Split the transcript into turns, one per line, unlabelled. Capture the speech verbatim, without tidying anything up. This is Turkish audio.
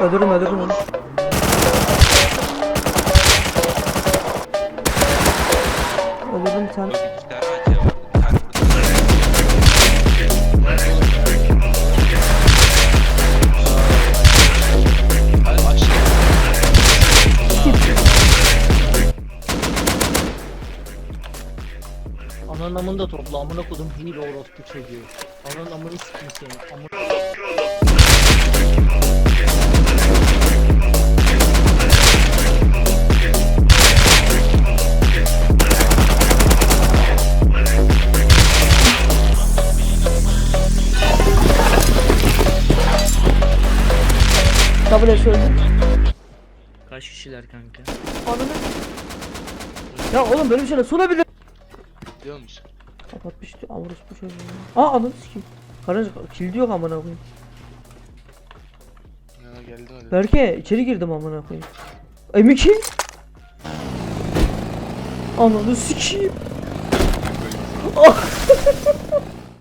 Öldürdüm öldürdüm onu. Öldürdüm bir tane.
İki tane acı var. Bir tane burada. Hadi aşağı.
Ananın amını da topla, amına kodum hile orospu çocuğu. Ananın amını sikim seni, amına...
Double S öldü.
Kaç kişiler kanka?
Ananı. Ya oğlum böyle bir şeyler sunabilir.
Biliyor musun?
Kapatmıştı Avrus bu çocuğu. Aa ananı sikeyim. Karınca kilidi yok amına koyayım.
Yana geldi hadi.
Berke içeri girdim amına koyayım. M iki. Ananı sikeyim. Ah.